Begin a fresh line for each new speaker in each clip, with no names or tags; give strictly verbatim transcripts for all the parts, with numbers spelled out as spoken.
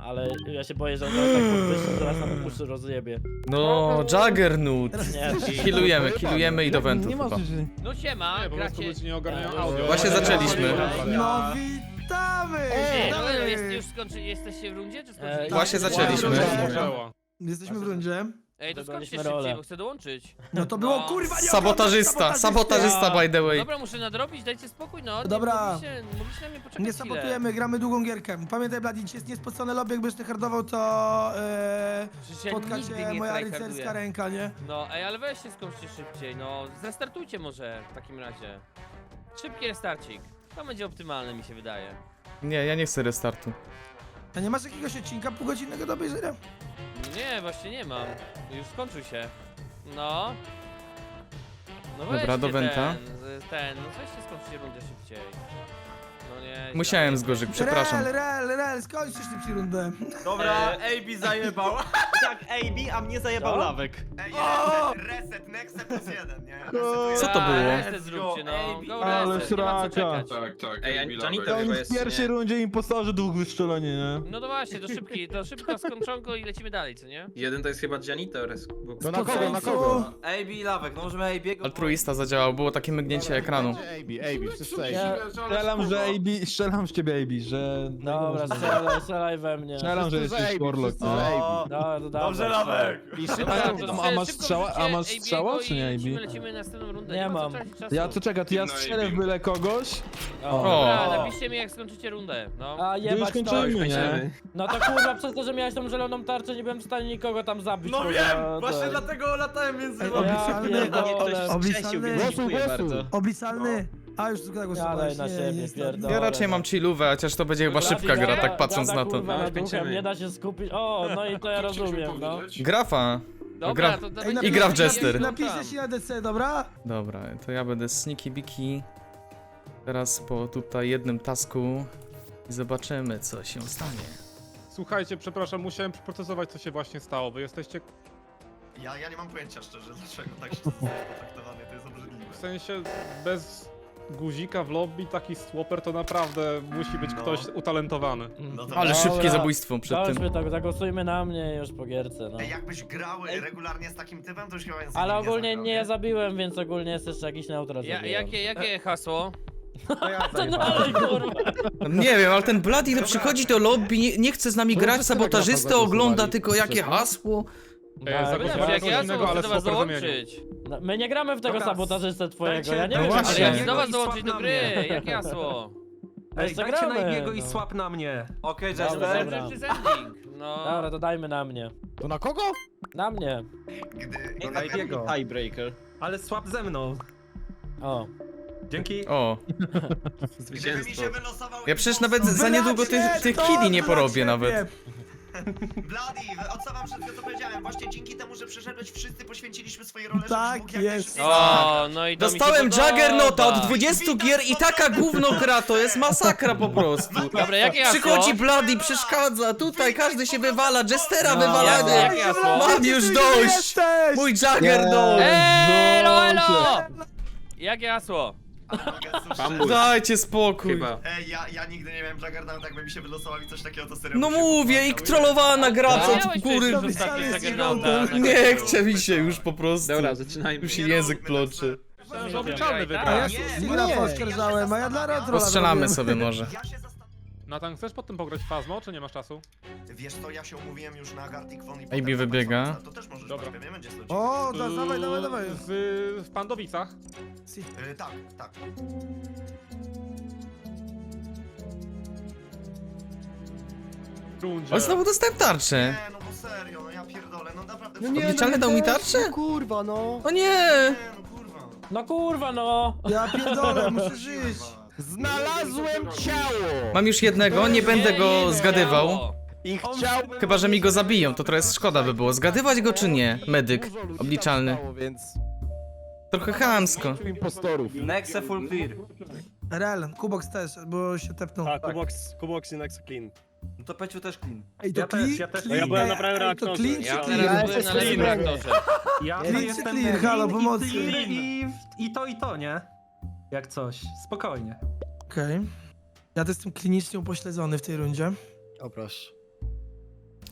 ale ja się boję, że on teraz tak podwyższy, że nas nam uszy rozjebie.
No, Juggernaut.
Nie,
Healujemy, healujemy i do wentów
Nie ma
chyba.
rzeczy.
No siema,
Nie, po prostu
gracie...
ludzie nie ogarniają
E,
audio.
Właśnie zaczęliśmy.
No witamy!
Ej, no,
Ej,
jest, już skończy, jesteście w rundzie, czy
E,
skończyliście?
Właśnie zaczęliśmy.
Działa.
Jesteśmy w rundzie.
Ej, to
Dodaliśmy
skończcie szybciej,
rolę.
bo chcę dołączyć.
No to było
No.
kurwa nie
Sabotażysta, sabotażysta by the way.
Dobra, muszę nadrobić, dajcie spokój, no. Nie
Dobra.
Mogliście, mogliście na mnie poczekać
Nie
chwilę.
sabotujemy, gramy długą gierkę. Pamiętaj, Bladi, jest niespocone lobby, jakbyś ty hardował, to e,
Przecież ja
spotka
nigdy
cię
nie
moja
tryharduję.
rycerska ręka, nie?
No, ej, ale weźcie skończcie szybciej, no. Zrestartujcie może w takim razie. Szybki restarcik. To będzie optymalne, mi się wydaje.
Nie, ja nie chcę restartu.
A nie masz jakiegoś odcinka półgodzinnego do obejrzenia?
Nie, właśnie nie mam. Już skończył się. No. No
Dobra,
weźcie
do Wenta.
Ten, z- ten, no weźcie skończcie rundę szybciej. No nie.
Musiałem
źle.
zgorzyć, przepraszam.
Rel, rel, rel, skończysz szybciej rundę.
Dobra, A B zajebał.
Tak, A B, a mnie zajebał
Co?
lawek.
Ej, reset, reset, next plus jeden, nie? Resetuję.
Co to
Tak,
było?
Reset zróbcie, no. Go
Ale
reset, nie ma co
sraka.
czekać.
Tak, tak.
Ej,
Ej,
Janito
Janito
chyba jest, w pierwszej
nie?
rundzie impostorzy dwóch wystrzeloni, nie?
No to właśnie, to szybki, to szybko skończonko i lecimy dalej, co nie?
Jeden to jest chyba Janitor.
To na kogo, na kogo?
A B lawek, no możemy A B'ego...
Altruista zadziałał, było takie mygnięcie ekranu.
A B, A B, wszyscy
Ja-
Strzelam, że A B, strzelam z ciebie A B, że...
Dobra, strzelaj, strzelaj we mnie.
Strzelam, że jesteś Warlock.
Dobra, to dawaj.
Dobrze, lawek!
Dobra,
A,
to
a masz
szybko
strzała, a
wrzućcie
masz
A B
strzała,
go
czy
i
nie A
Lecimy,
B?
lecimy na następną rundę,
Nie
nie ma co
mam.
tracić czasu.
Ja to czekaj, to ja
No i
strzelę w
bim.
byle kogoś.
O.
Dobra,
O.
napiszcie mi jak skończycie rundę, no.
A
To już
jebać to.
kończymy, nie?
No to kurwa, przez to, że miałeś tą zieloną tarczę, nie byłem w stanie nikogo tam zabić.
No
bo
wiem,
za-
właśnie
tak.
dlatego latałem między
Ej,
wami.
obliczalny,
pierdolę.
obliczalny,
Głosuj, głosuj.
obliczalny. A już tylko
Jadaj
głosowałeś,
na
nie,
siebie,
nie,
pierdolę.
Ja raczej mam chillówę, chociaż to będzie chyba szybka gra, tak patrząc na to.
Kurwa,
No,
na duchem,
kończymy.
nie da się skupić. O, no i to ja rozumiem, no.
Grafa.
Dobra,
gra-
to, to
Ej,
będzie-
I gra w
będzie-
Jester.
no
Napiszę
tam.
ci na D C, dobra?
Dobra, to ja będę sneaky biki. Teraz po tutaj jednym tasku i zobaczymy, co się stanie.
Słuchajcie, przepraszam, musiałem przeprocesować, co się właśnie stało. Wy jesteście,
Ja, ja nie mam pojęcia szczerze, dlaczego tak się potraktowany, to jest obrzydliwe.
w sensie, bez guzika w lobby, taki swapper to naprawdę musi być
No.
ktoś utalentowany.
No to
Ale
Dobra.
szybkie zabójstwo przed tym.
Chodźmy tak, zagłosujmy na mnie już po gierce, no.
Ej, jakbyś grał regularnie z takim typem, to już chyba język
Ale
nie
ogólnie
zagrał,
nie ja zabiłem, więc ogólnie jest jeszcze jakiś neutral.
Ja,
zabiłem.
jakie, jakie hasło?
Co dalej, kurwa?
Nie wiem, ale ten Bloody to przychodzi do lobby, nie, nie chce z nami grać, sabotażystę ogląda tylko jakie hasło.
Ej,
Tak,
zagłosowałem
Dobrze,
na
jak
coś
ja
innego,
chcę
ale
do was
swapper zamienił.
dołączyć.
No, my nie gramy w tego
Dobra,
sabotażystę twojego,
dajcie-
ja nie
No
wiem.
właśnie.
Ale ja chcę
Ej,
do was
i
dołączyć
swap
do
na
gry,
mnie.
jakie hasło?
Ej,
Jeszcze
dajcie na
gramy,
Ibiego i
no.
swap na mnie.
Okej,
Dobra,
Jester.
dobra.
Dobrze, ending. No.
Dobra, to dajmy na mnie.
To na kogo?
Na mnie.
Gdy...
Na Ibiego.
Tiebreaker.
Ale swap ze mną.
O.
Dzięki.
O,
Gdyby mi się wylosował...
ja przecież
impostor-
nawet za niedługo tych, tych
to
killi nie
dla
porobię
ciebie.
nawet.
Bloody, odsuwam wszystko co powiedziałem. Właśnie dzięki temu, że przeszedłeś, wszyscy poświęciliśmy swoje role,
Tak
żebyś mógł jak
jest.
najszybciej
O, no i to mi się
Dostałem
podoba.
Juggernauta od dwudziestu gier i taka gówno gra, to jest masakra po prostu.
Dobra, jakie hasło?
Przychodzi Bloody, przeszkadza, tutaj każdy się wywala, Jestera
No,
wywalany.
jakie hasło?
Mam już dość!
Jesteś!
Mój Juggernaut!
Elo, elo! Jakie hasło?
Bambus.
Dajcie spokój.
Chyba.
Ej, ja, ja nigdy nie miałem Juggernauta, jakby mi się wylosował i coś takiego, to serio
No
bym się
mówię, i
popłakał.
trollowana gra, co
Miałeś
od góry.
przecież ostatnio
Napisali
Juggernauta.
z
Nie chce mi się już po prostu.
Dobra, zaczynajmy.
Już się
Nie
język
róbmy
ploczy.
Myślałem, że obliczalny
A ja
wygra.
się
Nie,
Stegra
nie,
poskarżałem, a ja dla retro
Postrzelamy sobie może.
Ja się zastanawiam.
Natan, chcesz potem pograć w Fazmo, czy nie masz czasu?
Wiesz co, ja się umówiłem już na Gartic Phone i
A B
potem na
wybiega.
Maxonica. To też możesz
Dobra.
grać, nie będzie co ci.
O, da, dawaj, dawaj, dawaj.
Z, w Pandowicach.
Y, tak, tak.
Rundzie.
O, znowu dostałem tarczę.
Nie, no bo serio, no ja pierdolę, no naprawdę.
No nie, Obliczalny dał mi tarczę?
Kurwa, no.
O nie!
Nie, no kurwa.
No kurwa, no.
Ja pierdolę, muszę żyć.
Znalazłem ciało!
Mam już jednego, nie będę go zgadywał.
I chciał...
Chyba, że mi go zabiją, to trochę szkoda by było. Zgadywać go czy nie? Medyk,
Dużo ludzi
obliczalny.
tam stało, więc...
Trochę chamsko.
impostorów.
Nexe full clear.
Rel, Kubox też, bo się tepnął.
Tak, Kubox, Kubox i Nexo Clean.
No to Peciu też clean.
Ej, to
Ja
clean,
też, ja też.
clean,
Ja byłem
ej,
na prawym
ej, to
reaktorze.
clean
Ja
czy
teraz
clean?
byłem na lewym reaktorze.
Ja
Clean
to
czy
jestem
clear? Halo,
clean
pomocy.
i, clear i, i to i to, nie? Jak coś. Spokojnie.
Okej. Ja to jestem klinicznie upośledzony w tej rundzie.
O proszę.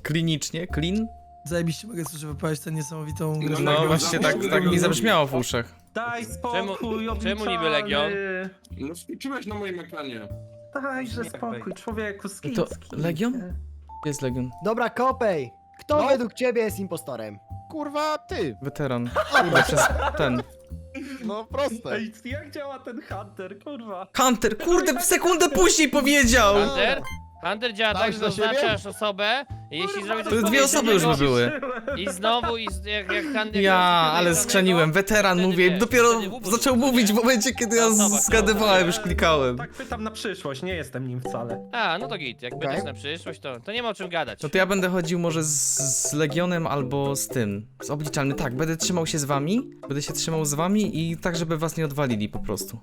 klinicznie, clean.
Zajebiście mogę słyszeć wypowiedzieć tę niesamowitą grę.
No właśnie tak, tak mi zabrzmiało w uszach.
Daj spokój,
czemu
obliczalny.
niby Legion?
No skończyłeś na moim ekranie.
Dajże spokój, człowieku,
To
skincki.
Legion? Gdzie jest Legion?
Dobra, Kopej. Kto
No.
według ciebie jest impostorem?
Kurwa, ty.
Weteran. Kurde, przez ten.
No proste.
Ej, jak działa ten Hunter, kurwa?
Hunter, kurde, sekundę później powiedział!
Hunter? Hunter działa tak,
Dałeś
że
na siebie?
zaznaczasz osobę i jeśli zrobi coś
To dwie osoby już by były.
I znowu, i z, jak, jak Hunter...
Ja,
jak
ale
podejrzanego,
skrzeniłem, weteran
wtedy
mówię,
wiesz,
dopiero
wtedy w ubór
zaczął
rzuca,
mówić w
nie?
momencie, kiedy ja
Osoba,
zgadywałem, już klikałem.
Tak pytam na przyszłość, nie jestem nim wcale.
A, no to git, jak
Okej.
będziesz na przyszłość, to, to nie ma o czym gadać.
No to ja będę chodził może z, z Legionem albo z tym, z obliczalnym. Tak, będę trzymał się z wami, będę się trzymał z wami i tak, żeby was nie odwalili po prostu.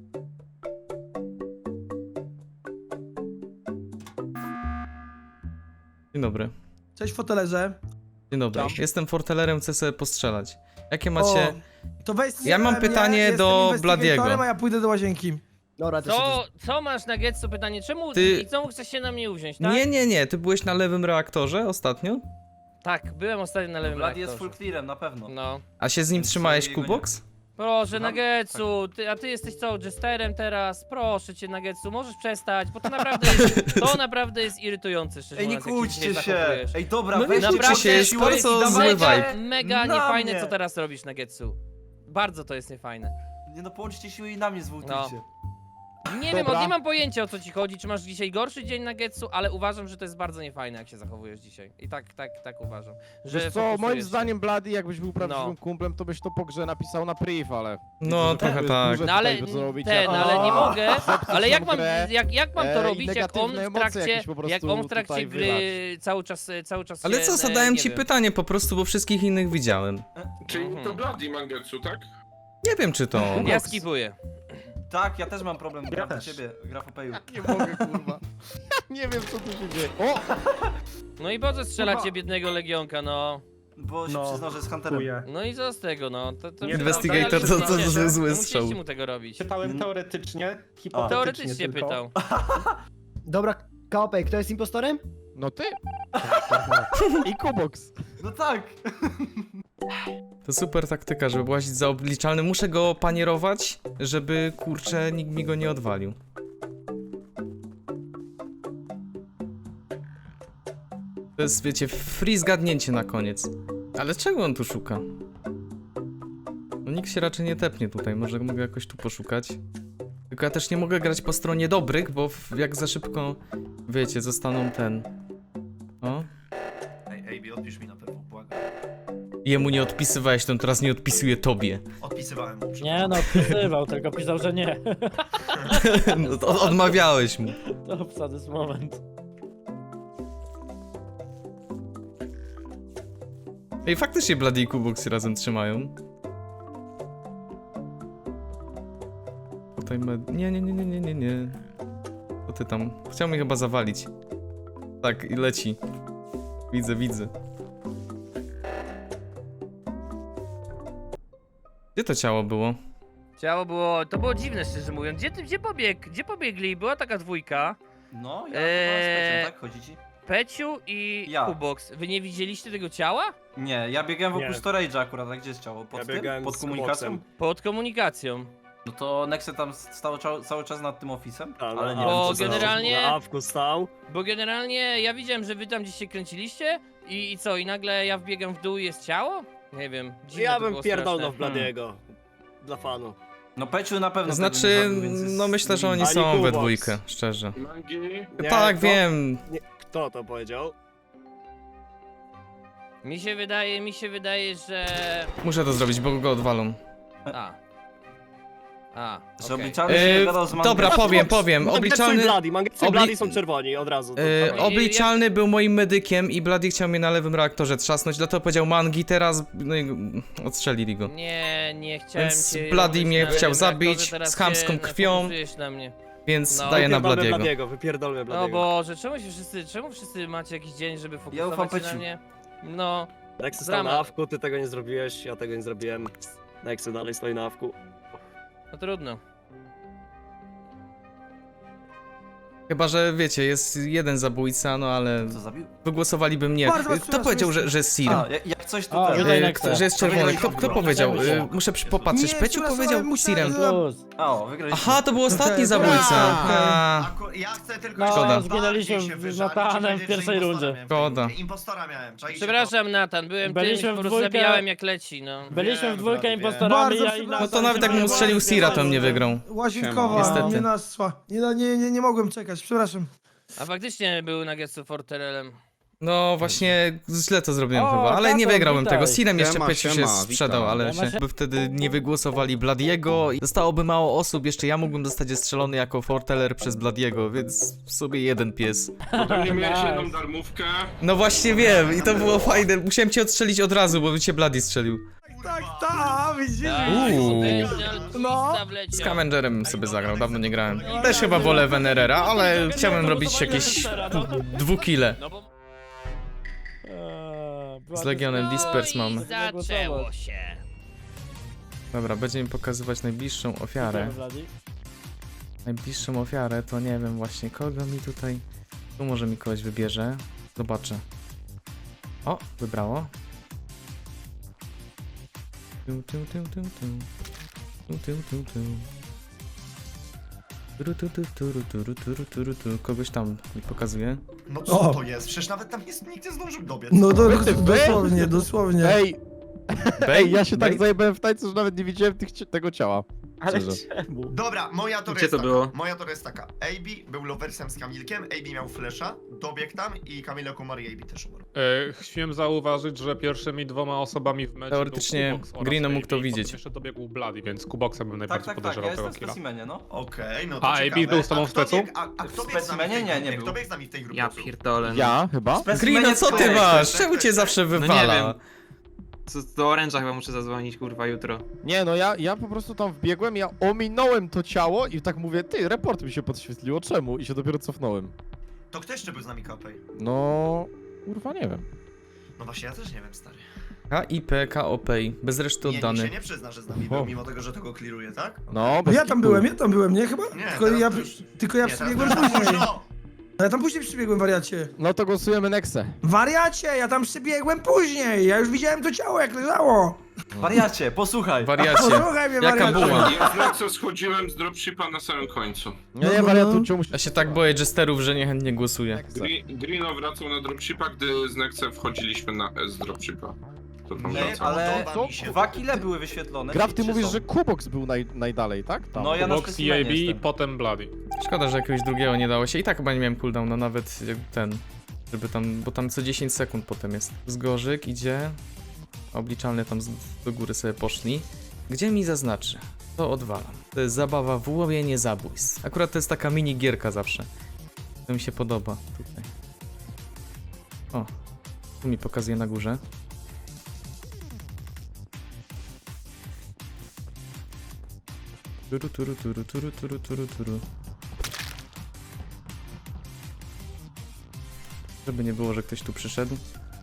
Dzień dobry.
Cześć fotelerze.
Dzień dobry.
Tam.
Jestem fortelerem, chcę sobie postrzelać. Jakie macie...
O, to weź
Ja mam
strzelaj
pytanie
mnie,
do
jestem
Bladiego.
investigatorem, a ja pójdę do łazienki.
Dobra, to się
Co, co masz na Getsu pytanie? Czemu
Ty-
i czemu chcesz się na mnie uwziąć, tak?
Nie, nie, nie, ty byłeś na lewym reaktorze ostatnio?
Tak, byłem ostatnio na lewym
Vlad jest
reaktorze.
full clearem, na pewno.
No.
A się z nim
Więc
trzymałeś,
jego nie-
Kubox?
Proszę,
Słucham?
Nagetsu, ty, a ty jesteś co, jesterem teraz? Proszę cię, Nagetsu, możesz przestać, bo to naprawdę jest, to naprawdę jest irytujące, szczerze
Ej, nie
mówiąc, jak
kłóćcie
dzisiaj
się!
zachowujesz.
Ej, dobra,
No nie
weźcie
kłóćcie się, jest
siłę i
bardzo
dawajcie-
zły
Mega,
vibe.
mega
Na
niefajne,
mnie.
co teraz robisz, Nagetsu. Bardzo to jest niefajne.
Nie no, połączcie siły i na mnie zwójtujcie.
Nie wiem,
Dobra.
o, nie mam pojęcia o co ci chodzi, czy masz dzisiaj gorszy dzień na Getsu, ale uważam, że to jest bardzo niefajne, jak się zachowujesz dzisiaj. I tak, tak, tak uważam. Że
Wiesz co,
fokusujesz
moim
się.
zdaniem Blady, jakbyś był prawdziwym
No.
kumplem, to byś to po grze napisał na priv, ale...
No,
Widzę, że
trochę
jest
tak.
duże
No ale
tutaj, co robicie.
ten,
O,
ale nie mogę, ale jak
nam
mam,
grę,
jak, jak mam to
e, i
robić, jak on
negatywne
w
emocje
trakcie,
jakieś po prostu
jak on w trakcie
tutaj
gry
wylać.
cały czas, cały czas
Ale
się,
co,
e,
zadałem
nie
ci
wiem.
pytanie po prostu, bo wszystkich innych widziałem.
Czyli
Mhm.
to Bloody Mangetsu, tak?
Nie wiem, czy to on.
Ja skipuję.
Tak, ja też mam problem,
Ja
gram do
też.
ciebie, grafopeju.
Nie mogę, kurwa. Nie wiem, co tu się dzieje. O!
No i po co strzelacie
Kurwa.
biednego Legionka, no?
Bo się
No,
przyznał, że jest hunterem.
Chuje.
No i co z tego, no? To, to
Nie,
Investigator
ale
to- to- to
musicie-
zły
no
strzał.
Musieliście mu tego robić.
Pytałem
Mm.
teoretycznie, hipotetycznie
Teoretycznie
tylko.
pytał.
Dobra, Kopej, kto jest impostorem?
No ty. I Kubox.
No tak!
To super taktyka, żeby łazić za obliczalnym. Muszę go panierować, żeby, kurczę, nikt mi go nie odwalił. To jest, wiecie, free zgadnięcie na koniec. Ale czego on tu szuka? No nikt się raczej nie tepnie tutaj, może mogę jakoś tu poszukać. Tylko ja też nie mogę grać po stronie dobrych, bo w- jak za szybko, wiecie, zostaną ten... O.
Ej, ej, Bi, odpisz mi na pewno, błagam.
Jemu nie odpisywałeś, to on teraz nie odpisuje tobie.
Odpisywałem mu,
Nie no, wpisywał, tylko pisał, że nie.
No, to od- odmawiałeś mu.
To obsady z moment.
Ej, faktycznie Bloody i Kubox się razem trzymają. Tutaj med... Nie, nie, nie, nie, nie, nie, nie. Co ty tam? Chciał mnie chyba zawalić. Tak, i leci. Widzę, widzę. Gdzie to ciało było?
Ciało było, to było dziwne, szczerze mówiąc. Gdzie, ty- gdzie, pobieg, gdzie pobiegli? Była taka dwójka.
No, ja
Eee.
eee... tak? Chodzi ci?
Peciu i
Ja.
Kubox. Wy nie widzieliście tego ciała?
Nie, ja biegałem wokół
Nie.
storage'a akurat, a gdzie jest ciało? Pod
Ja
tym?
biegałem
Pod
z
komunikacją?
Kuboxem.
Pod komunikacją.
No to Nexe tam stał cza- cały czas nad tym ofisem,
A, no,
ale nie
a,
wiem,
Bo
co za-
generalnie-
Na awku stał.
Bo generalnie ja widziałem, że wy tam gdzieś się kręciliście i, i co, i nagle ja wbiegam w dół i jest ciało? Nie wiem, dziwne
Ja
to
bym
było
pierdolnął
straszne.
w Bladiego. Dla fanu.
No Peciu na pewno tego nie
Znaczy,
zrobił, więc jest-
no myślę, że oni
Ani
są we
Kubox.
dwójkę, szczerze.
Mangi...
Nie,
Tak,
kto-
wiem.
Nie, kto to powiedział?
Mi się wydaje, mi się wydaje, że...
Muszę to zrobić, bo go odwalą.
A. A,
Że
okej.
obliczalny się
Yy,
nie gadał z Mangetsu.
dobra, powiem, powiem.
Mangetsu
Obliczalny...
i Bloody, Mangetsu i
obli-
Bloody są czerwoni od razu. To-
Yy,
dawaj.
obliczalny był moim medykiem i Bloody chciał mnie na lewym reaktorze trzasnąć, dlatego powiedział Mangi teraz, no i odstrzelili go.
Nie, nie chciałem
Więc
cię
Bloody
robić
mnie
na
chciał
lewym
zabić
reaktorze, teraz
z chamską
się
krwią.
fokusujesz na mnie.
Więc
No.
daję na
Wypierdolmy
Bladiego.
Bladiego, wypierdolmy
No
Bladiego.
Boże, czemu się wszyscy, czemu wszyscy macie jakiś dzień, żeby
ufam
fokusować się na
Peciu.
mnie? No,
Nexy stał
Drama.
na awku, ty tego nie zrobiłeś, ja tego nie zrobiłem. Nexy dalej stoi na awku.
no trudno.
Chyba, że wiecie, jest jeden zabójca, no ale
Co zabił?
wygłosowaliby mnie.
Bardzo was
Kto
przepraszam,
powiedział, że, że jest Sir?
A, ja- jak coś
O,
to ten.
tutaj
Y,
Nexe.
że jest czerwony. Kto, kto powiedział? Y, Muszę przy- popatrzeć.
Nie,
Peciu
przepraszam,
powiedział
musiałem-
Sirem.
Plus.
O, wygraliśmy.
Aha, to był ostatni
Okej,
zabójca.
okej.
A,
Aku- ja chcę tylko
No,
jeszcze bardziej
zginęliśmy
się
z
wyżalić i
Natanem w
powiedzieć, że
pierwszej
impostora
rundzie.
miałem w
Szkoda.
tej- Impostora miałem, czaicie
Przepraszam, Natan, byłem
Byliśmy
tym,
w
po prostu
dwójkę.
zabijałem jak leci, no.
Byliśmy
Wiem,
w dwójkę
wiem.
impostorami,
Bardzo
ja i
przepraszam.
no to nawet jakbym strzelił Sira, to mnie wygrał.
Łazienkowa,
Niestety.
nie naszła. Nie, nie, nie, nie mogłem czekać, przepraszam.
A faktycznie był Nuggetsu Forterelem.
No właśnie, źle to zrobiłem
O,
chyba, ale nie
Katon,
wygrałem
witaj.
tego. Sirem jeszcze
Siema,
Peciu się
siema,
sprzedał,
witam.
ale
Siema,
się by wtedy nie wygłosowali Bladiego. Zostałoby mało osób, jeszcze ja mógłbym zostać strzelony jako Forteller przez Bladiego, więc w sobie jeden pies.
Potem nie miałeś
Nice.
jedną darmówkę.
No właśnie wiem i to było fajne. Musiałem cię odstrzelić od razu, bo by cię Bladi strzelił.
Tak, tak, widzisz?
Uuu.
No.
Z Scavengerem bym sobie zagrał, dawno nie grałem. Też chyba wolę Venerera, ale chciałem robić jakieś dwukile.
No bo
Eee,
Z Legionem Dispers
no i
mamy.
zaczęło się.
Dobra, będzie mi pokazywać najbliższą ofiarę. Najbliższą ofiarę to nie wiem właśnie kogo mi tutaj... Tu może mi kogoś wybierze. Zobaczę. O, wybrało. Tu, tu, tu, tu, tu. Tu, tu, tu, tu. Turu, tu, tu, turu, turu, turu, turu, tu. Kogoś tam mi pokazuje.
No co
O.
to jest? Przecież nawet tam jest, nikt nie zdążył dobiec.
No do, dosłownie, dosłownie.
Ej,
Bej,
ja się tak
bej.
zajebałem w tańcu, że nawet nie widziałem tych, tego ciała.
Ale
Szczerze.
czemu?
Dobra, moja teoria
Gdzie
jest
to
taka.
było?
Moja teoria jest taka. A B był loversem z Kamilkiem, A B miał flesza, dobiegł tam i Kamilek umarł i A B też umarł.
E, Śmiem zauważyć, że pierwszymi dwoma osobami w meczu
Teoretycznie
był Kubox oraz
Greeno
A B,
mógł to
potem
widzieć.
jeszcze dobiegł Bloody, więc Kuboxa bym
Tak,
najbardziej
tak, tak,
podejrzewał
ja
tego
jestem w
killa.
specimenie, no.
Okej, no to
A, A B
ciekawe.
był z tobą w
kto
specu?
biegł- A, a kto
W
biegł z nami w tej
specimenie? Nie,
grupie?
nie
Kto
był.
biegł z nami w tej grupie?
Ja
Psu?
pierdolę.
Ja chyba?
Greeno, co ty masz? Czemu cię zawsze
No nie
wywala?
wiem. Co, do Orange'a chyba muszę zadzwonić, kurwa, jutro.
Nie, no ja, ja po prostu tam wbiegłem, ja ominąłem to ciało i tak mówię, ty, report mi się podświetliło, czemu? I się dopiero cofnąłem.
To kto jeszcze był z nami Kopej?
No, kurwa nie wiem.
No właśnie, ja też nie wiem, stary.
K I P K O P I, bez reszty
Nie, nikt
oddany.
się nie przyzna, że z nami
O.
był, mimo tego, że to go kliruje, tak?
No, bez
Ja tam
kitu.
byłem, ja tam byłem, nie chyba?
Nie,
Tylko
teraz
ja,
to już-
tylko ja
Nie, teraz
przybiegłem
to już
później.
późno.
Ja tam później przybiegłem, wariacie.
No to głosujemy Nexę.
Wariacie, ja tam przybiegłem później. Ja już widziałem to ciało, jak leżało.
Wariacie, posłuchaj.
Wariacie.
Posłuchaj mnie,
Jaka
wariacie.
buła?
Ja z Lexo schodziłem z dropshipa na samym końcu.
Nie, nie,
No,
wariatu,
no.
czemu
Ja się tak boję jesterów, że niechętnie głosuję.
Nexe.
Gri- Greeno wracał na dropshipa, gdy z Nexem wchodziliśmy na z dropshipa. To tam
Nie,
wracał.
ale
podoba mi się.
Dwa kile były wyświetlone.
Graf, ty
Czy
mówisz,
są?
że Kubox był naj, najdalej, tak? Tam.
No ja na
Kubox i A B
specimenie
i
jestem.
potem Bloody.
Szkoda, że jakiegoś drugiego nie dało się. I tak chyba nie miałem cooldowna, nawet jak ten. Żeby tam, bo tam co dziesięć sekund potem jest. Zgorzyk idzie. Obliczalne tam z, do góry sobie poszli. Gdzie mi zaznaczy? To odwalam. To jest zabawa w łowienie zabójstw. Akurat to jest taka mini gierka zawsze. To mi się podoba tutaj. O, tu mi pokazuje na górze. Turu, turu, turu, turu, turu, turu, turu. Żeby nie było, że ktoś tu przyszedł.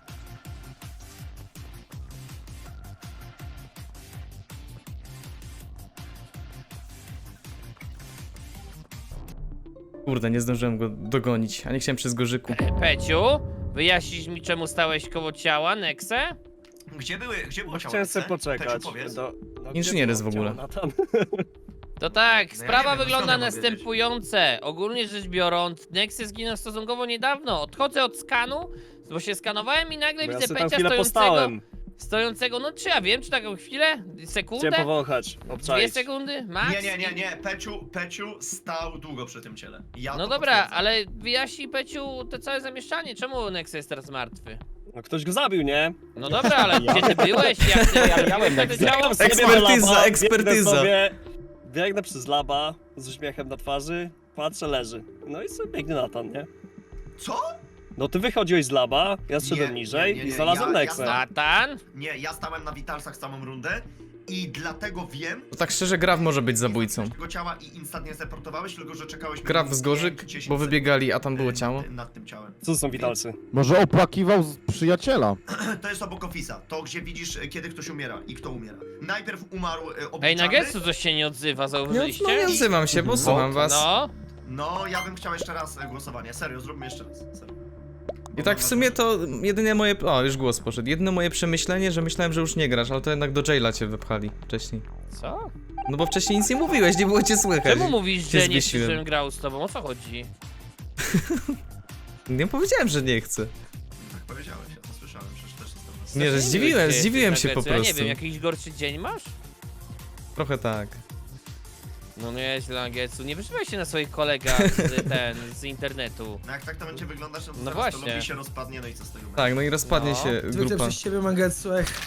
Kurde, nie zdążyłem go dogonić, a nie chciałem przez gorzyku.
Peciu, wyjaśnisz mi czemu stałeś koło ciała, Nexe?
Gdzie były, gdzie było ciało?
Chciałem sobie
Nexe?
poczekać.
Peciu, powiedz.
Do, no,
Inżynier jest w
gdzie
ogóle.
było ciało,
To tak,
No ja
sprawa
nie wiem,
wygląda
skąd ja mam wiedzieć?
następujące. Ogólnie rzecz biorąc, Nexe zginął stosunkowo niedawno. Odchodzę od skanu, bo się skanowałem i nagle
Bo ja
widzę
sobie tam
Pecia
chwilę
stojącego.
postałem.
Stojącego, no czy ja wiem, czy taką chwilę? Sekundę?
Chciałem powąchać,
Dwie
obczaić.
sekundy? Max?
Nie, nie, nie, nie, Peciu, Peciu stał długo przy tym ciele. Ja
No
to
dobra,
potwierdzam.
ale wyjaśnij Peciu te całe zamieszczanie. Czemu Nexe jest teraz martwy?
No ktoś go zabił, nie?
No dobra, ale gdzie ty byłeś? Jak ty ja miałem te ciało?
Biegam sobie do
Ekspertyza,
laba,
ekspertyza.
Biegnę, sobie, biegnę przez laba z uśmiechem na twarzy, patrzę, leży. No i sobie biegnie Natan, nie?
Co?
No ty wychodziłeś z laba, ja zszedłem
Nie,
niżej
nie, nie, nie,
i znalazłem
ja- ja
Nexę.
znam-
Natan?
Nie, ja stałem na Vitalsach całą rundę i dlatego wiem...
To tak szczerze, Graf może być
nie
zabójcą.
zabiłeś tego ciała i instantnie zreportowałeś, tylko że czekałeś...
Graf
minimum
z gorzyk,
pięć, dziesięć
bo wybiegali, a tam było
sekund,
ciało.
y, Nad tym ciałem.
Co to są witalcy?
Może opłakiwał z przyjaciela.
To jest obok Office'a, to gdzie widzisz, y, kiedy ktoś umiera i kto umiera. Najpierw umarł y,
Ej,
obliczalny.
Nagetsu coś się nie odzywa,
Nie,
zauważyliście?
no nie odzywam się, bo słucham was.
No,
No, ja bym chciał jeszcze raz e, głosowanie. Serio, zróbmy jeszcze raz. Serio.
I tak w sumie to jedynie moje... O, już głos poszedł. Jedyne moje przemyślenie, że myślałem, że już nie grasz, ale to jednak do jaila cię wypchali wcześniej.
Co?
No bo wcześniej nic nie mówiłeś, nie było cię słychać.
Czemu mówisz,
Cię
że nie chcesz,
zwiesiłem.
żebym grał z tobą? O co chodzi?
Nie powiedziałem, że nie chcę.
Tak powiedziałeś, ja to słyszałem, przecież też jestem na
Nie, że
Znaczy,
zdziwiłem,
wiem, gdzie
zdziwiłem
jesteś
się po
na Grecy. Ja nie
prostu.
wiem, jakiś gorszy dzień masz?
Trochę tak.
No nieźle, Angetsu. Nie wyżywaj się na swoich kolegach z, ten, z internetu.
No jak tak to będzie wyglądać, no to
No
zaraz
właśnie.
to lobby się rozpadnie, no i co z tego będzie?
Tak, no i rozpadnie
No.
się
Zwykle
grupa.
przez ciebie, Mangetsu, ech.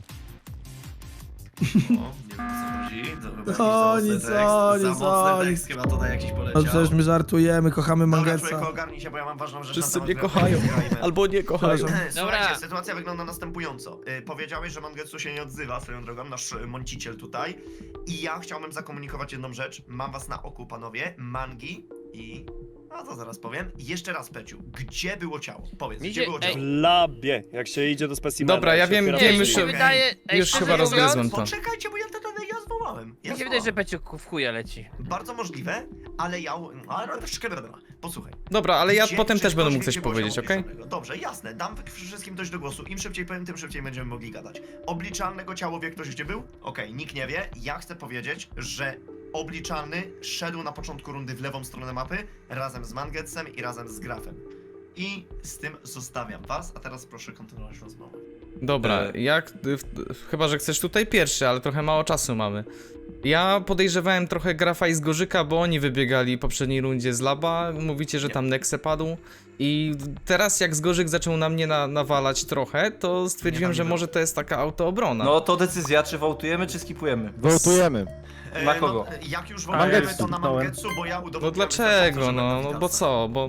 O, nie wiem o co chodzi. Dobra,
O,
jakiś
nic,
za mocny
o,
tekst,
nic,
za
o,
mocny
nic.
tekst chyba tutaj jakiś poleciał.
No przecież my żartujemy, kochamy
Dobra,
Mangetsa.
człowieku, ogarnij się, bo ja mam ważną rzecz
Wszyscy
na
mnie
temat,
kochają.
którą rozmawiajmy.
Albo nie kochają.
Przepraszam.
Słuchajcie,
Dobra.
sytuacja wygląda następująco. Y, powiedziałeś, że Mangetsu się nie odzywa swoją drogą, nasz y, mąciciel tutaj. I ja chciałbym zakomunikować jedną rzecz. Mam was na oku, panowie. Mangi i... A to zaraz powiem. I jeszcze raz, Peciu. Gdzie było ciało? Powiedz,
Mi
gdzie
się-
było
ej,
ciało?
W labie, jak się idzie do specimena.
Dobra, ja
jak się
wiem,
otwiera
wiem
drzwi.
już,
mi się
okej.
wydaje, ej,
już
szczerze
chyba
mówiąc,
rozgryzłem to.
Poczekajcie, bo ja to ja zwołałem. Ja
Mi się wydaje, że
zwołałem.
Peciu w chuja leci.
Bardzo możliwe, ale ja... Ale troszkę wiadomo. Posłuchaj.
Dobra, ale ja
Gdzie-
potem
czy
też będę
ktoś
mógł
wie,
coś
gdzie było
powiedzieć,
ciało
okej?
Pieszonego? Dobrze, jasne, dam wszystkim dość do głosu. Im szybciej powiem, tym szybciej będziemy mogli gadać. Obliczalnego ciało wie ktoś, gdzie był? Okej, nikt nie wie. Ja chcę powiedzieć, że obliczalny szedł na początku rundy w lewą stronę mapy razem z Mangetsem i razem z Grafem. I z tym zostawiam was, a teraz proszę kontynuować rozmowę.
Dobra,
E.
jak... w- Chyba, że chcesz tutaj pierwszy, ale trochę mało czasu mamy. Ja podejrzewałem trochę Grafa i Zgorzyka, bo oni wybiegali w poprzedniej rundzie z laba. Mówicie, że tam Nexe padł. I teraz jak Zgorzyk zaczął na mnie na, nawalać trochę, to stwierdziłem,
Nie, tam
że
nie
może to jest taka autoobrona.
No to decyzja, czy wołtujemy, czy skipujemy.
Wołtujemy.
E,
Na kogo?
No, jak już wołujemy
Mangetsu,
to na
dałem.
Mangetsu, bo ja udowodniłem...
No dlaczego,
że
no,
będę
no bo
witalsem.
co, bo...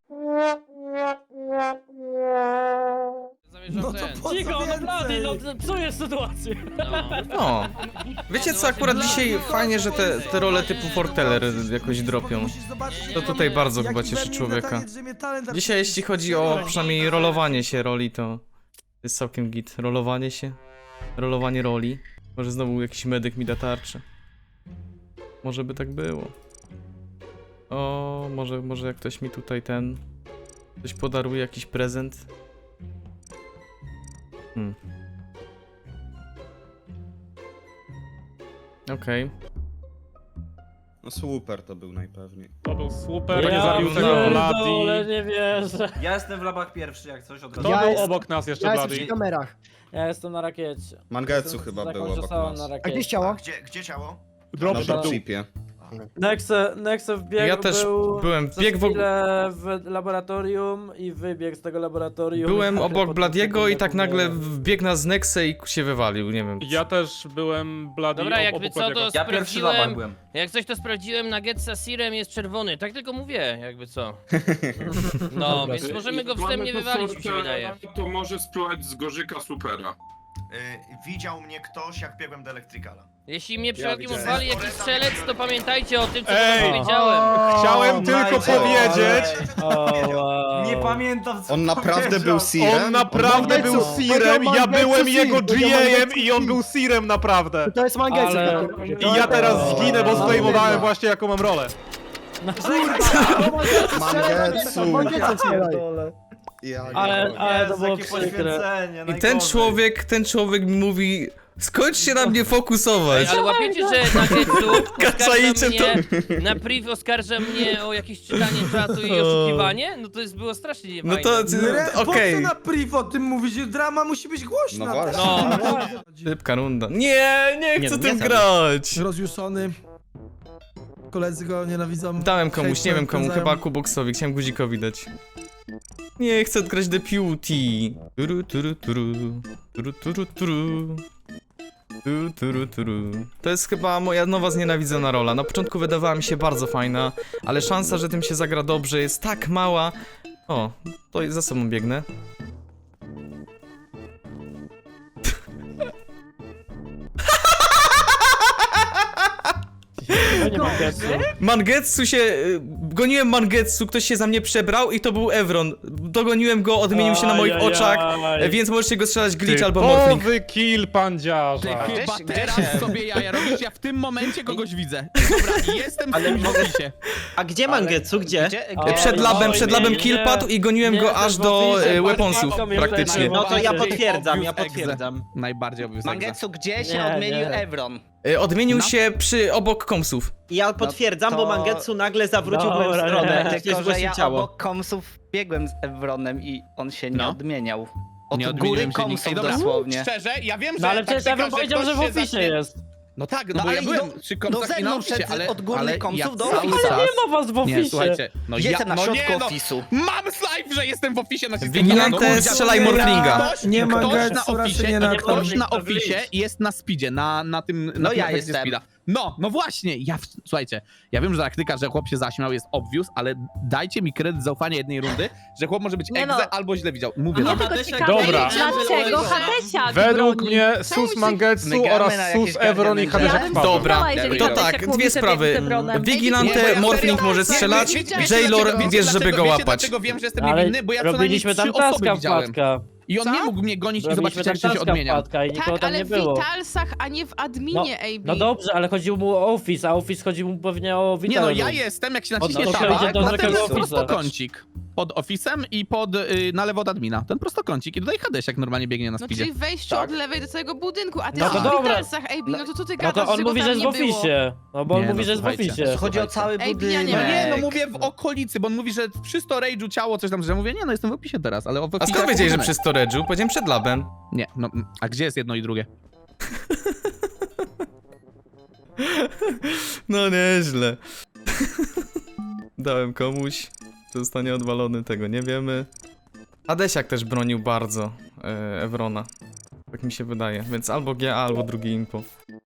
Zamierzam
No to
ten.
po co
Cicho, no blady, no
więcej?
psujesz sytuację.
No.
No. Wiecie co, akurat dzisiaj fajnie, że te, te role typu Forteller jakoś dropią.
Musisz zobaczyć,
To tutaj bardzo chyba
jaki
cieszy
we mnie
człowieka.
taniec, że mnie talent
Dzisiaj jeśli chodzi o przynajmniej rolowanie się roli, to jest całkiem git. Rolowanie się, rolowanie roli. Może znowu jakiś medyk mi da tarczę. Może by tak było. O, może, może jak ktoś mi tutaj ten... Ktoś podaruje jakiś prezent. Hmm. Okej.
No super to był najpewniej.
To był super, nie
Ja
zabił tego
pierdolę,
Bloody.
nie wierzę.
Ja jestem w labach pierwszy, jak coś od
Kto
razu.
Ja
był
jest-
obok nas jeszcze,
Ja jestem
Bloody?
przy kamerach.
Ja jestem na rakiecie.
Mangetsu
Jestem
chyba
z
był
jakąś
obok
osobą
nas.
na
A
rakiecie.
gdzie jest
A
ciało?
gdzie, gdzie ciało?
Drop
Na
shot.
dropshipie.
Nexe, Nexe wbiegł,
Ja też
był
byłem,
za
biegł w og-
chwilę w laboratorium i wybiegł z tego laboratorium.
Byłem
A
obok
potem
Bladiego i
sekundę
tak nagle
później-
wbiegł na Nexe i się wywalił, nie wiem.
Ja też byłem Bloody
Dobra,
ob-
jakby
obok
co, to
Bladiego.
Ja pierwszy w labach
sprawdziłem.
byłem.
Jak coś to sprawdziłem, Nuggetsa Sirem jest czerwony. Tak tylko mówię, jakby co. No, więc możemy go wstępnie wywalić, mi się wydaje.
To może spróbować z Gorzyka Supera.
Y, widział mnie ktoś, jak biegłem do Elektrykala.
Jeśli mnie przypadkiem
widziałem.
odwali jakiś strzelec, to pamiętajcie o tym, co
Ej!
wam powiedziałem.
Chciałem tylko
Majcie.
powiedzieć,
O, wow.
Nie pamiętam co
On naprawdę
powiedział.
był Sirem?
on naprawdę
Mangetsu,
był Sirem, ja
Mangetsu
byłem
Sir,
jego
powiedział
G A-em
Mangetsu
i on
Sir.
był Sirem naprawdę.
To jest Mangetsu.
Ale-
I ja teraz zginę, bo
No,
zdejmowałem
no.
właśnie jaką mam rolę.
Mangetsu!
Mangetsu strzelaj.
Ja
Ale,
nie
ale to
Jezu,
było
jakie
przykre.
poświęcenie,
I ten
najgorzej.
człowiek, ten człowiek mi mówi... Skończ się na mnie
Ej,
fokusować!
ale łapiecie, że Nuggetsu oskarża
Kacajcie
mnie, na priv oskarża mnie o jakieś czytanie czatu i oszukiwanie? No to jest było strasznie
No
niefajne.
to...
Re- Po
Okej.
co na priv o tym mówić? Drama musi być głośna.
No właśnie.
No.
Szybka runda. Nie, nie
Nie,
chcę
no
tym
nie
grać!
Rozjuszony. Koledzy go nienawidzą.
Dałem komuś, nie
Hejtem
wiem komu,
wpędzają.
chyba Kuboksowi, chciałem guzikowi dać. Nie chcę odgrać Deputy. Turu, turu, turu. Turu, turu, turu. Turu, turu, turu. To jest chyba moja nowa znienawidzona rola. Na początku wydawała mi się bardzo fajna, ale szansa, że tym się zagra dobrze jest tak mała. O, to za sobą biegnę.
To nie Mangetsu.
Mangetsu się... y, Goniłem Mangetsu, ktoś się za mnie przebrał i to był Evron. Dogoniłem go, odmienił się na moich
Ajajaj.
oczach, e, więc możecie go strzelać glitch albo morphling.
Typowy kill pandziarza.
Chyba teraz sobie jaja robisz, ja w tym momencie kogoś widzę. dobra, jestem w ofisie.
A gdzie Mangetsu, gdzie?
Ale-
Przed labem, przed labem
nie,
kill
nie.
padł i goniłem
Nie,
go
to
aż
jest
do
oficie,
e,
bardzo
weaponsów
łatwo mnie
praktycznie.
wtedy-
No to ja
Obvious
potwierdzam, ja
Obvious
potwierdzam.
egze. Najbardziej obvious egze.
Mangetsu, gdzie się
Nie,
odmienił
nie.
Evron?
E, Odmienił
No.
się przy obok komsów.
I ja potwierdzam,
to-
bo Mangetsu nagle zawrócił w moją
Dobra,
stronę.
nie.
Tylko,
Tylko, że
zgłosił
ja
ciało.
obok komsów biegłem z Evronem i on się nie
No.
odmieniał. Od
Nie
góry
odmieniłem się
komsów
nigdy. Ej, dobra,
dosłownie.
Szczerze, ja wiem, że
No ale przecież
taktyka,
Evron powiedział, że w
ktoś się
ofisie
zacznie-
jest.
No tak, no,
No
bo
ale
ja
i
byłem
do-
przy
do
komsach i na
zewnątrz
ofisie,
szedł
ale,
od górnych
ale
komsów
ja
do
cały
ofisu.
czas...
Nie ma was w
Nie,
ofisie.
słuchajcie, no ja...
Jestem na
no
środku
nie, no,
ofisu.
mam live, że jestem w ofisie na systemie.
Vigilante,
No,
strzelaj
ktoś-
Morflinga.
Ktoś,
Nie ma
ktoś
Getsu,
na
raczej
ofisie,
nie na
ktoś
tym.
na ofisie jest na speedzie, na, na tym... Na
No
tym
ja
efekcie
jestem.
Speeda. No, no właśnie, ja... w- Słuchajcie, ja wiem, że taktyka, że chłop się zaśmiał jest obvious, ale dajcie mi kredyt zaufania jednej rundy, że chłop może być
Nie
egze
no.
albo źle widział. Mówię
Mnie
wam.
tylko ciekawe,
Dobra.
dlaczego Hadesiak
Według
broni?
mnie Sus Mangetsu
Mygamy
oraz
na
Sus
jakieś
Evron i
garniaty.
Hadesiak
Ja
wpadł.
Dobra,
Dobra, jeżeli
to
Hadesiak
tak,
mówi,
dwie
że
sprawy.
biegnie z Evronem.
Vigilante,
Nie, bo ja
Morfling
serio-
może
Nie,
strzelać,
wiecie- wiecie
Jailor
dlaczego-
wiesz,
wiecie
żeby go
dlaczego- wiecie,
łapać.
dlaczego wiem, że jestem
Ale
niewinny, bo ja co najmniej
robiliśmy
trzy
tam
osoby
taska
widziałem.
wpadka.
I on
Co?
nie mógł mnie gonić i
Robiliśmy
zobaczyć,
tam
jak się
taska
odmieniam.
wpadka i nikogo
Tak,
tam
ale
nie
w
było.
Vitalsach, a nie w adminie, A B.
No dobrze, ale chodziło mu o Office, a Office chodziło mu pewnie o
Nie
Vital
no,
Room.
ja jestem, jak się
Od
naciśnie
to
tabak,
idzie do
potem
takiego
jest
ofisa.
prostokącik. Pod ofisem i pod, y, na lewo od admina. Ten prostokącik. I tutaj Hadesiak normalnie biegnie na
No
speedzie.
czyli wejście
Tak.
od lewej do całego budynku, a ty
No
no
to
w
dobra.
Vitalsach, A B, no to co ty
No
gadasz,
to on
że go
mówi,
tam
że jest w
nie było?
ofisie. No bo on
Nie,
mówi,
no
że jest w
słuchajcie.
ofisie.
Chodzi o cały
Ej, ja
budynek.
nie
No
wiem.
nie, no mówię w okolicy, bo on mówi, że przy storage'u ciało coś tam, że ja mówię, nie no, jestem w opisie teraz, ale w
A
opisie
skąd
jak
wiedzieli, że
budynek.
przy storage'u? Powiedziałem przed labem.
Nie, no, mm, a gdzie jest jedno i drugie?
No nieźle. Dałem komuś, czy zostanie odwalony, tego nie wiemy. Hadesiak też bronił bardzo e, Evrona. Tak mi się wydaje, więc albo G A, albo drugi impo.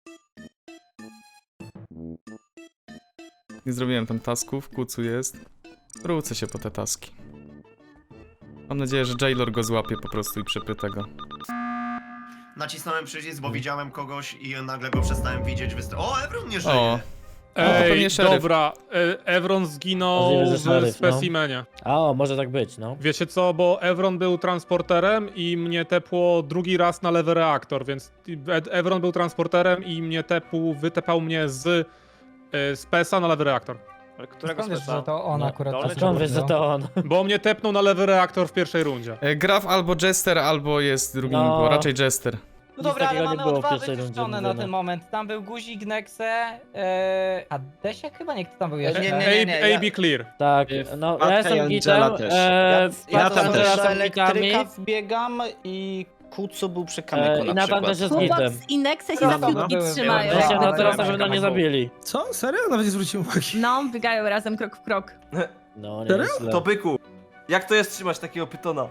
Nie zrobiłem tam tasków, kucu jest. Wrócę się po te taski. Mam nadzieję, że Jailor go złapie po prostu i przepyta go.
Nacisnąłem przycisk, bo widziałem kogoś i nagle go przestałem widzieć. Wyst- o, Evron nie żyje!
O, to
Ej,
pewnie szeryf.
dobra, e, Evron zginął
Możliwe, że
w
szeryf, no.
specimenie.
A o, może tak być, no.
Wiecie co, bo Evron był transporterem i mnie tepło drugi raz na lewy reaktor, więc Ed- Evron był transporterem i mnie tepł, wytepał mnie z e, spesa na lewy reaktor.
Którego
Skąd wiesz, że to on akurat
A skąd wiesz, że to on?
Bo mnie tepnął na lewy reaktor w pierwszej rundzie.
E, Graf albo Jester, albo jest drugi
No.
impo, raczej Jester.
No dobra, ale mamy odważy wykluczone na ten
moment. Tam był Guzik, Nexe, yy... a Desiak chyba nie, kto tam był
jeszcze?
Nie,
Nie,
nie, nie, nie.
A B clear.
Tak, no
Wpadka
ja
i
jestem gitem,
Angela też.
e,
Ja
Wpadka
tam
z Angela
też
są gitami,
wbiegam i Kucu był przy
e, i Nathan też jest gitem.
Chłopak i Nexe się
No,
za
no,
piłki
były,
trzymają.
były.
Ja się
No,
na
no,
teraz
no,
na pewno
no,
nie
no.
zabili.
Co? Serio? Nawet nie zwróciłem uwagi.
No, biegają razem krok w krok.
No, nie
Serio?
jest
To byku, jak to jest trzymać takiego pytona?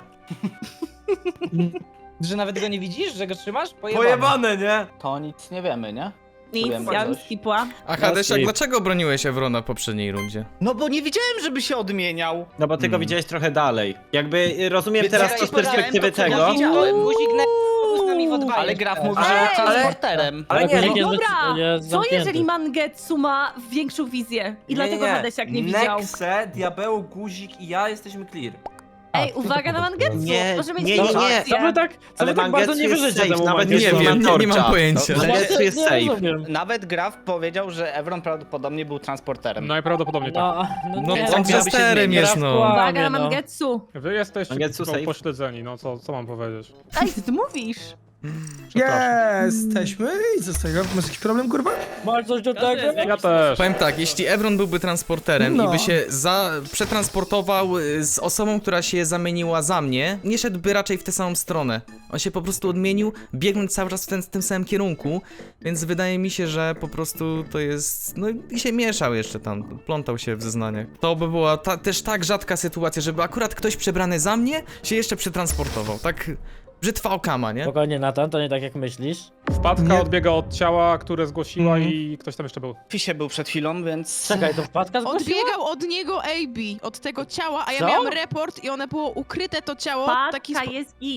Że nawet go nie widzisz, że go trzymasz?
Pojebane, nie?
To nic nie wiemy, nie?
Nic,
Wiem,
ja bym
coś.
skipła.
A Hadesiak,
skip.
dlaczego broniłeś Evrona w poprzedniej rundzie?
No bo nie widziałem, żeby się odmieniał.
No bo ty go
Hmm.
widziałeś trochę dalej. Jakby y, rozumiem
Więc
teraz
ja
to z
powiedziałem
perspektywy
to, co ja
tego.
widziałem.
Guzik
z nami w odwagi. Ale Graf mówi, że
Ej!
jest transporterem.
Ale nie,
Guzik
no,
jest
Dobra,
zde- jest
co
zamknięty.
jeżeli Mangetsu ma większą wizję i dlatego Hadesiak nie widział?
Nexe, Diabeł, Guzik i ja jesteśmy clear.
Ej, uwaga na Mangetsu!
Nie,
Może mieć
nie,
większą
nie, nie.
wizję.
Co wy tak, co
Ale
wy tak bardzo
Mangetsu
nie
jest
wierzycie
safe,
temu
nawet
Nie
Mangetsu?
jest
wiem, nie, nie mam
torcza.
pojęcia.
No, Mangetsu jest
nie
safe.
rozumiem.
Nawet Graf powiedział, że Evron prawdopodobnie był transporterem.
Najprawdopodobniej tak.
No, no,
No
nie,
on
tak,
Jesterem
Graf
jest, no.
kłamie,
Uwaga na
no.
Mangetsu!
Wy jesteście
Mangetsu
no,
safe.
pośledzeni, no co, co mam powiedzieć?
Ej, co ty mówisz?
Przepraszam.
Jesteśmy i co z tego? Masz jakiś problem, kurwa?
Masz coś do tego?
Ja też.
Powiem tak, jeśli Evron byłby transporterem
No.
i by się za przetransportował y, z osobą, która się zamieniła za mnie, nie szedłby raczej w tę samą stronę. On się po prostu odmienił, biegnąc cały czas w, ten, w tym samym kierunku, więc wydaje mi się, że po prostu to jest... No i się mieszał jeszcze tam, plątał się w zeznaniach. To by była ta, też tak rzadka sytuacja, żeby akurat ktoś przebrany za mnie się jeszcze przetransportował, tak... Brzytwa okama, nie?
Spokojnie, Nathan, to nie tak jak myślisz.
Wpadka
Nie.
odbiega od ciała, które zgłosiła
Mhm.
i ktoś tam jeszcze był.
W Fisie był przed chwilą, więc...
Czekaj, to wpadka zgłosiła?
Odbiegał od niego A B, od tego ciała, a ja
Co?
miałam report i one było ukryte to ciało w taki
Patka
spo...
jest git.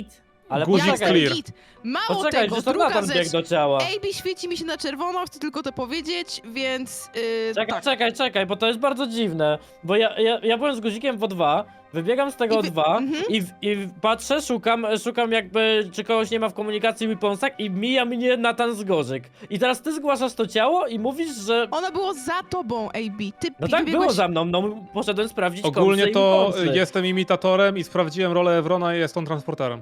Ale
Guzik
Ja
poczekaj,
clear.
jestem git. Mało
poczekaj,
tego,
że to
druga
Nathan biegł
rzecz.
do ciała.
A B świeci mi się na czerwono, chcę tylko to powiedzieć, więc... Yy,
Czekaj,
tak.
czekaj, czekaj, bo to jest bardzo dziwne, bo ja, ja, ja byłem z guzikiem w O dwa, wybiegam z tego
I
O
wy-
dwa
mhm.
i, i patrzę, szukam, szukam jakby, czy kogoś nie ma w komunikacji Weaponsach i mija mnie Nathan z Gorzyk. I teraz ty zgłaszasz to ciało i mówisz, że...
Ono było za tobą, A B. Ty
No tak
wybiegłeś...
było za mną, no poszedłem sprawdzić
Ogólnie
kompsy i
to
Weaponsy.
jestem imitatorem i sprawdziłem rolę Evrona i jest on transporterem.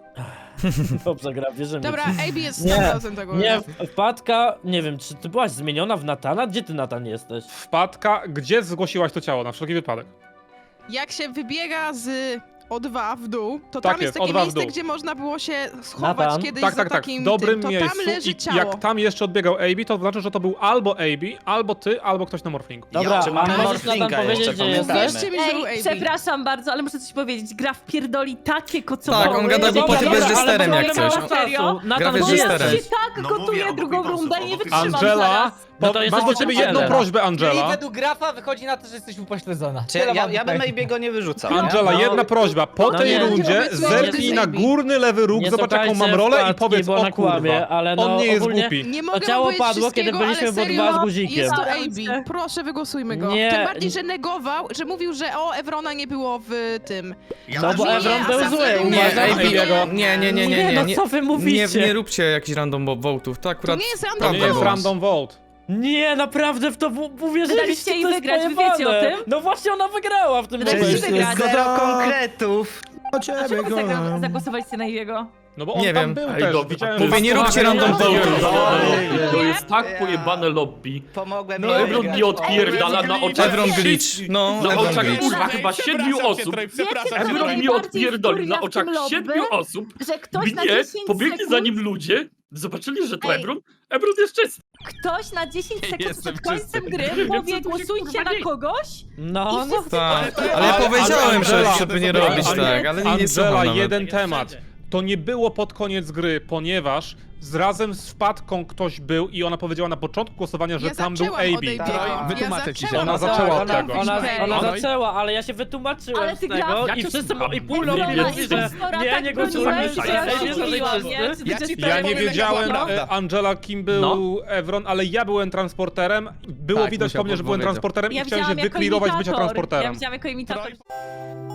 Dobrze gra, wierzymy.
Dobra, A B jest
Nie,
sto procent tego.
Nie, wpadka, nie wiem, czy ty byłaś zmieniona w Natana? Gdzie ty, Natan, jesteś?
Wpadka, gdzie zgłosiłaś to ciało, na wszelki wypadek?
Jak się wybiega z O dwa w dół, to
Tak
tam
jest,
jest takie
O dwa w
miejsce,
dół.
gdzie można było się schować
Nathan?
kiedyś
Tak,
za
tak, tak,
takim
w dobrym
tym. To
miejscu
tam leży
i
ciało.
jak tam jeszcze odbiegał A B, to znaczy, że to był albo A B, albo ty, albo ktoś na morflingu.
Dobra,
czy
a
mamy
możesz Natan
morflinga
powiedzieć,
jeszcze,
gdzie jesteś?
Wierzcie mi, że był
Ej,
A B.
przepraszam bardzo, ale muszę coś powiedzieć. Gra wpierdoli takie kocopoły.
Tak, on gada głupoty
Dobra,
bez
ale
reżyserem
bo
jak
nie
coś.
ma czasu.
Gra
Natan,
bez
gdzie
reżyserem.
jesteś?
się tak
No
gotuje
mówię, obok
drugą
Weaponsów,
rundę i nie
obok
wytrzymam
Angela,
zaraz.
No
po,
to
mam
jesteś
do ciebie jedną
nauczycielem.
prośbę, Angela.
według grafa wychodzi na to, że jesteś upośledzona.
Czy ja, ja bym Ejbiego nie wyrzucał, nie?
Angela,
No.
jedna prośba. Po
No
tej
nie.
rundzie
Nie
zerknij
nie
na górny lewy róg,
Nie
zobacz jaką mam
słuchajcie
rolę i
wpadki,
powiedz,
bo
o
na kłamie,
kurwa,
ale no
on nie jest
ogólnie-
głupi.
Nie mogę
ciało
powiedzieć
padło, kiedy
wszystkiego,
byliśmy
ale
w O dwa
serio,
z guzikiem.
Jest to
Staram
A B.
się.
Proszę, wygłosujmy go.
Nie.
Tym bardziej, że negował, że mówił, że o, Evrona nie było w tym.
Ja
No
też
bo
nie,
Evron
a
był
sam
zły,
był
Nie,
uważam,
A B,
Ejbiego.
nie, nie, nie, nie, nie,
no
nie.
co wy
Nie,
mówicie?
nie róbcie jakichś random votów, to
To
akurat...
nie jest
To
random
nie
Prawda
jest
była.
random vote.
Nie, naprawdę w to w- uwierzyliście,
Daliście jej
to jest
wygrać, wy
pojebane.
wiecie o tym?
No właśnie ona wygrała w tym
Daliście
momencie.
wygrać.
Zero konkretów.
O ciebie,
Dlaczego wy
kocham.
zagra- zagłosowaliście na jego?
No bo on
Nie
tam
wiem.
był
Ej,
też.
dobra,
Widziałem,
Mówię,
że-
nie róbcie random votów.
To
jest
tak pojebane lobby.
Pomogłem
No Evron mi odpierdala na oczach.
Evron glitch, no,
Na
Evron
oczach
glitch.
kurwa chyba siedmiu osób. Evron mi odpierdoli na oczach siedmiu osób.
Że ktoś na
Mnie,
dziesięć
pobiegli
sekund...
za nim ludzie, zobaczyli, że to
Ej.
Evron. Evron jest czysty.
Ktoś na dziesięć sekund
Jestem
przed końcem
czysty.
gry
Wiem, co
powie,
tu się,
głosujcie
kurwa,
na
dzieje.
kogoś
No,
i
no.
wszyscy...
Tak, ale ja powiedziałem, że
Angela,
żeby nie robić tak, ale nie, nie słucham
Angela,
nawet.
jeden temat. To nie było pod koniec gry, ponieważ z razem z wpadką ktoś był i ona powiedziała na początku głosowania, że
Ja
tam był
zaczęłam
A
od
B.
A B.
Tak, wytłumaczę ci się.
zaczęłam
Ona
od
zaczęła
A
od
B.
tego.
Ona,
Okej.
ona
No i-
zaczęła, ale ja się wytłumaczyłem
Ale ty
z tego
graf-
i wszyscy i pół
Evrona
lobby
i
mówi, że
Pastora
nie,
tak
nie głosujemy,
broniłeś,
że
że ja
Ej,
się
wiesz, że
dziwiłam,
jesteś
nie?
czysty?
Ty
Ja
też
ci
tak
Ja nie
powiem,
wiedziałem,
jaka
e, Angela, kim był
No.
Evron, ale ja byłem transporterem. Było
Tak,
widać
musiał
po mnie, że byłem
podpowiedział.
transporterem
Ja
i chciałem się
widziałam jako
wyklirować bycia
imitator. Ja
transporterem.
widziałam jako imitator.